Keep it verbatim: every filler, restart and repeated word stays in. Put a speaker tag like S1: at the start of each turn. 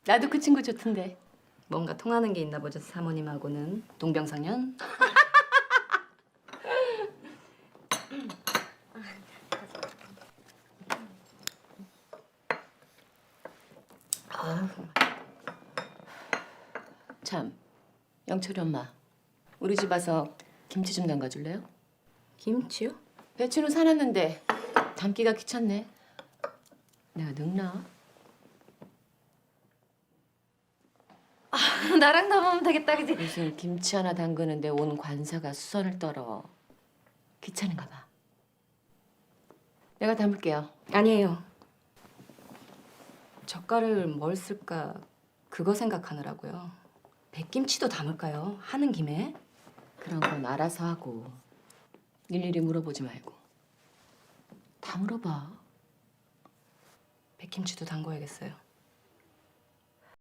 S1: 나도 그 친구 좋던데.
S2: 뭔가 통하는 게 있나 보죠, 사모님하고는. 동병상련?
S1: 참, 영철이 엄마. 우리 집 와서 김치 좀 담가줄래요?
S2: 김치요?
S1: 배추는 사놨는데 담기가 귀찮네. 내가 늙나?
S2: 나랑 담으면 되겠다, 그지?
S1: 무슨 김치 하나 담그는데 온 관사가 수선을 떨어. 귀찮은가 봐. 내가 담을게요.
S2: 아니에요. 젓갈을 뭘 쓸까 그거 생각하느라고요. 백김치도 담을까요? 하는 김에?
S1: 그런 건 알아서 하고 일일이 물어보지 말고 다 물어봐.
S2: 백김치도 담궈야겠어요.